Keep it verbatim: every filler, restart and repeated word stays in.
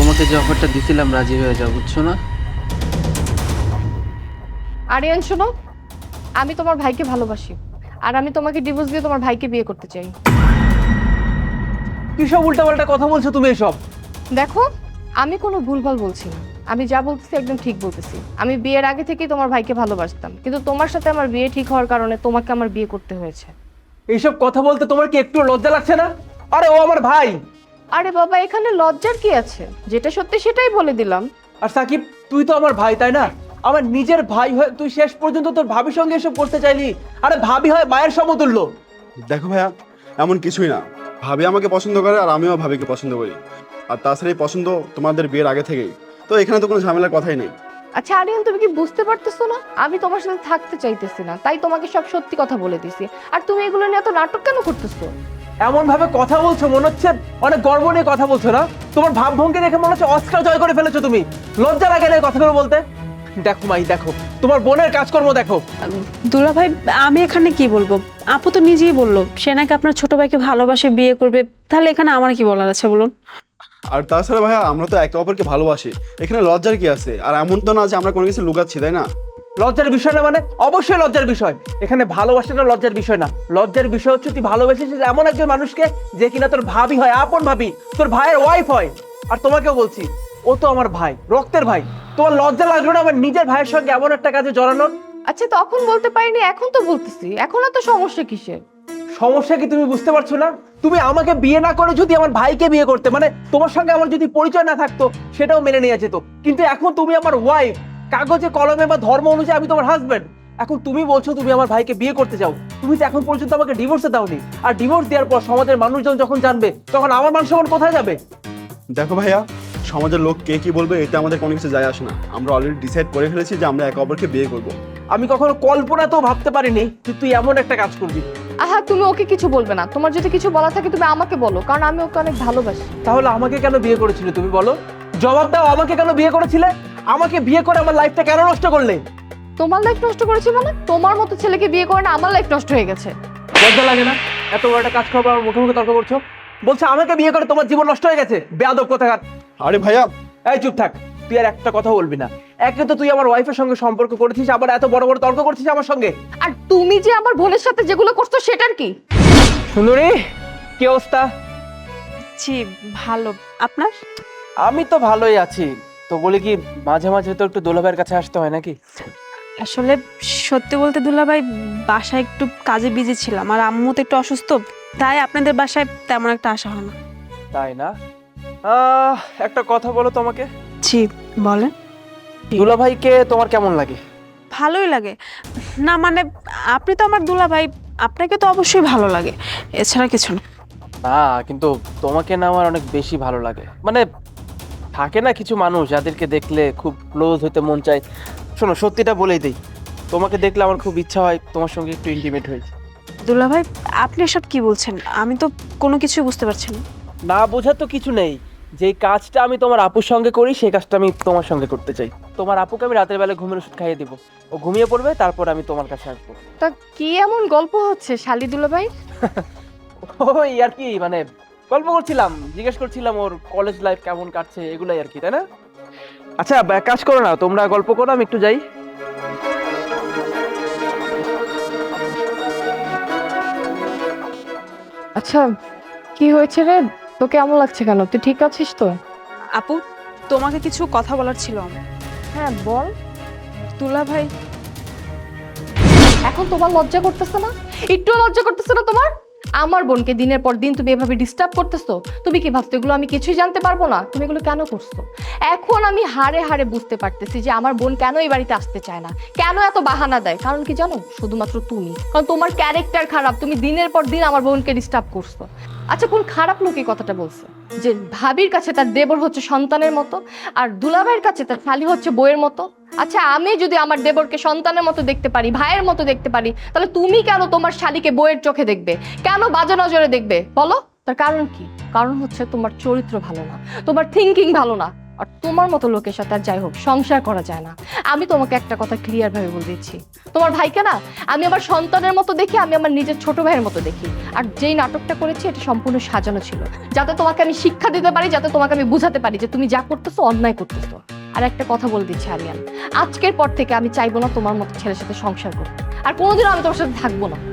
তোমাকে যে অফারটা দিছিলাম রাজি হয়ে যাও, বুঝছো না? আরিয়ান শোনো, আমি তোমার ভাইকে ভালোবাসি আর আমি তোমাকে ডিভোর্স দিয়ে তোমার ভাইকে বিয়ে করতে চাই। কি সব উল্টাপাল্টা কথা বলছো তুমি এসব? দেখো, আমি কোনো ভুলভাল বলছি না, আমি যা বলতেছি একদম ঠিক বলতেছি। আমি বিয়ের আগে থেকেই তোমার ভাইকে ভালোবাসতাম, কিন্তু তোমার সাথে আমার বিয়ে ঠিক হওয়ার কারণে তোমাকে আমার বিয়ে করতে হয়েছে। এইসব কথা বলতে তোমার কি একটু লজ্জা লাগছে না? আরে ও আমার ভাই। আরে বাবা, এখানে লজ্জার কি আছে? যেটা সত্যি সেটাই বলে দিলাম। আর সাকিব, তুই তো আমার ভাই, তাই না? আমার নিজের ভাই হয়ে তুই শেষ পর্যন্ত তোর ভাবির সঙ্গে এসব করতে চাইলি? আরে ভাবি হয় মায়ের সমতুল্য। দেখো ভাইয়া, এমন কিছুই না। ভাবি আমাকে পছন্দ করে আর আমিও ভাবিকে পছন্দ করি। আর তাছাড়া এই পছন্দ তোমাদের বিয়ের আগে থেকেই, তো এখানে তো কোনো ঝামেলার কথাই নেই। আচ্ছা আরিয়ান, তুমি কি বুঝতে পারতেছো না? আমি তোমার সাথে থাকতে চাইতেছি না, তাই তোমাকে সব সত্যি কথা বলে দিছি। আর তুমি এগুলো নিয়ে এত নাটক কেন করতেছো? এমন ভাবে কথা বলছো মনে হচ্ছে অনেক গর্ব নিয়ে কথা বলছো না? তোমার ভাবভঙ্গি দেখে মনে হচ্ছে অস্কার জয় করে ফেলেছো তুমি। লজ্জা লাগে না এই কথাগুলো বলতে? দেখো মাই, দেখো তোমার বোনের কাজকর্ম দেখো। দুলা ভাই, আমি এখানে কি বলবো? আপু তো নিজেই বললো সে নাকি আপনার ছোট ভাইকে ভালোবাসে, বিয়ে করবে। তাহলে এখানে আমার কি বলার আছে বলুন? আর তাছাড়া ভাইয়া, আমরা তো একে অপরকে ভালোবাসি, এখানে লজ্জার কি আছে? আর এমন তো না যে আমরা কোনো কিছু লুকাচ্ছি, তাই না? লজ্জার বিষয় না মানে? অবশ্যই লজ্জার বিষয়। এখানে ভালোবাসাটা লজ্জার বিষয় না। লজ্জার বিষয় হচ্ছে তুই ভালোবেসেছিস এমন একজন মানুষকে যে কিনা তোর ভাবি হয়, আপন ভাবি, তোর ভাইয়ের ওয়াইফ হয়। আর তোমাকেও বলছি, ও তো আমার ভাই, রক্তের ভাই। তোমার লজ্জা লাগলো না আমার নিজের ভাইয়ের সঙ্গে এমন একটা কাজে জড়ানোর? আচ্ছা তখন বলতে পারিনি, এখন তো বলতেছি। এখন এত সমস্যা কিসের? সমস্যা কি তুমি বুঝতে পারছো না? তুমি আমাকে বিয়ে না করে যদি আমার ভাইকে বিয়ে করতে, মানে তোমার সঙ্গে আমার যদি পরিচয় না থাকতো সেটাও মেনে নেওয়া যেত। কিন্তু এখন তুমি আমার ওয়াইফ, কাগজে কলমে বা ধর্ম অনুযায়ী আমি তোমার হাজবেন্ড। এখন তুমি বলছো তুমি আমার ভাইকে বিয়ে করতে চাও। তুমি তো এখন পর্যন্ত আমাকে ডিভোর্সে দাওনি। আর ডিভোর্স দেওয়ার পর সমাজের মানুষজন যখন জানবে তখন আমার মান সম্মান কোথায় যাবে? দেখো ভাইয়া, সমাজের লোক কে কি বলবে এতে আমাদের কোনো কিছু যায় আসে না। আমরা অলরেডি ডিসাইড করে ফেলেছি যে আমরা একে অপরকে বিয়ে করব। আমি কখনো কল্পনাতেও ভাবতে পারিনি যে তুই এমন একটা কাজ করবি। আহা, তুমি ওকে কিছু বলবে না। তোমার যদি কিছু বলা থাকে তুমি আমাকে বলো, কারণ আমি ওকে অনেক ভালোবাসি। তাহলে আমাকে কেন বিয়ে করেছিলে তুমি বলো? জবাব দাও, আমাকে কেন বিয়ে করেছিলে? আমাকে বিয়ে করে আমার লাইফটা কেন নষ্ট করলে? তোমার লাইফ নষ্ট করেছি মানে? তোমার মতো ছেলেকে বিয়ে করে না আমার লাইফ নষ্ট হয়ে গেছে। লজ্জা লাগে না? এত বড় একটা কাজ করবো আমার মুখে মুখে তর্ক করছো? বলছে আমাকে বিয়ে করে তোমার জীবন নষ্ট হয়ে গেছে। বেয়াদব কোথাকার। আরে ভাইয়া, এই চুপ থাক, তুই আর একটা কথা বলবি না। একে তো তুই আমার ওয়াইফের সঙ্গে সম্পর্ক করেছিস, আবার এত বড় বড় তর্ক করছিস আমার সঙ্গে। আর তুমি যে আমার বোনের সাথে যেগুলো করছো সেটার কি? সুন্দরী, কি অবস্থা? জি ভালো। আপনার? আমি তো ভালোই আছি। তো বলি কি, মাঝে মাঝে তো একটু দোলাভাইয়ের কাছে আসতে হয় নাকি? আসলে সত্যি বলতে দুলা ভাই, বাসায় একটু কাজে বিজি ছিলাম আর আম্মু তো একটু অসুস্থ, তাই আপনাদের বাসায় তেমন একটা আসা হয় না। তাই না? আহ, একটা কথা বলো তোমাকে। জি বলেন। দুলাভাইকে তোমার কেমন লাগে? ভালোই লাগে। না মানে, আপনি তো আমার দুলা ভাই, আপনাকে তো অবশ্যই ভালো লাগে, এছাড়া কিছু না। না, কিন্তু তোমাকে না আমার অনেক বেশি ভালো লাগে। মানে থাকে না কিছু মানুষ যাদেরকে দেখলে খুব ক্লোজ হতে মন চায়। শোনো, সত্যিটা বলেই দেই, তোমাকে দেখলে আমার খুব ইচ্ছা হয় তোমার সঙ্গে একটু ইন্টিমেট হই। দুলা ভাই, আপনি এসব কি বলছেন? আমি তো কোনো কিছুই বুঝতে পারছি না। না বোঝার তো কিছু নেই। যেই কাজটা আমি তোমার আপুর সঙ্গে করি সেই কাজটা আমি তোমার সঙ্গে করতে চাই। তোমার আপুকে আমি রাতের বেলা ঘুমের ওষুধ খাইয়ে দিব, ও ঘুমিয়ে পড়বে, তারপর আমি তোমার কাছে আসবো। তা কি এমন গল্প হচ্ছে শালি দুলা ভাই? ওই আর কি, মানে গল্প করছিলাম, জিজ্ঞেস করছিলাম ওর কলেজ লাইফ কেমন কাটছে, এগুলাই আর কি, তাই না? আচ্ছা এক কাজ করো না, তোমরা গল্প করো, আমি একটু যাই। আচ্ছা কি হয়েছে রে? তো কেমন লাগছে কেন? তুই ঠিক আছিস তো? আপু, তোমাকে কিছু কথা বলার ছিল আমার। হ্যাঁ বল। দুলা ভাই, এখন তোমার লজ্জা করতেছে না? একটু লজ্জা করতেছে না তোমার? আমার বোনকে দিনের পর দিন তুমি এভাবে ডিস্টার্ব করতেছো। তুমি কি ভাবছো এগুলো আমি কিছুই জানতে পারবো না? তুমি এগুলো কেন করছো? এখন আমি হাড়ে হাড়ে বুঝতে পারতেছি যে আমার বোন কেন এই বাড়িতে আসতে চায় না, কেন এত বাহানা দেয়। কারণ কি জানো? শুধুমাত্র তুমি। কারণ তোমার ক্যারেক্টার খারাপ, তুমি দিনের পর দিন আমার বোনকে ডিস্টার্ব করছো। আচ্ছা কোন খারাপ লোক এই কথাটা বলছে যে ভাবির কাছে তার দেবর হচ্ছে সন্তানের মতো আর দুলাভাইয়ের কাছে তার শালি হচ্ছে বইয়ের মতো? আচ্ছা আমি যদি আমার দেবরকে সন্তানের মতো দেখতে পারি, ভাইয়ের মতো দেখতে পারি, তাহলে তুমি কেন তোমার শালিকে বইয়ের চোখে দেখবে? কেন বাজে নজরে দেখবে বলো? তার কারণ কি? কারণ হচ্ছে তোমার চরিত্র ভালো না, তোমার থিঙ্কিং ভালো না। আর তোমার মতো লোকের সাথে আর যাই হোক সংসার করা যায় না। আমি তোমাকে একটা কথা ক্লিয়ার ভাবে বলে দিচ্ছি, তোমার ভাইকে না আমি আমার সন্তানের মতো দেখি, আমি আমার নিজের ছোট ভাইয়ের মতো দেখি। আর যেই নাটকটা করেছি এটা সম্পূর্ণ সাজানো ছিল, যাতে তোমাকে আমি শিক্ষা দিতে পারি, যাতে তোমাকে আমি বুঝাতে পারি যে তুমি যা করতেছো অন্যায় করতেছো। আর একটা কথা বলে দিচ্ছি আরিয়ান, আজকের পর থেকে আমি চাইবো না তোমার মতো ছেলের সাথে সংসার করতে, আর কোনোদিনও আমি তোমার সাথে থাকবো না।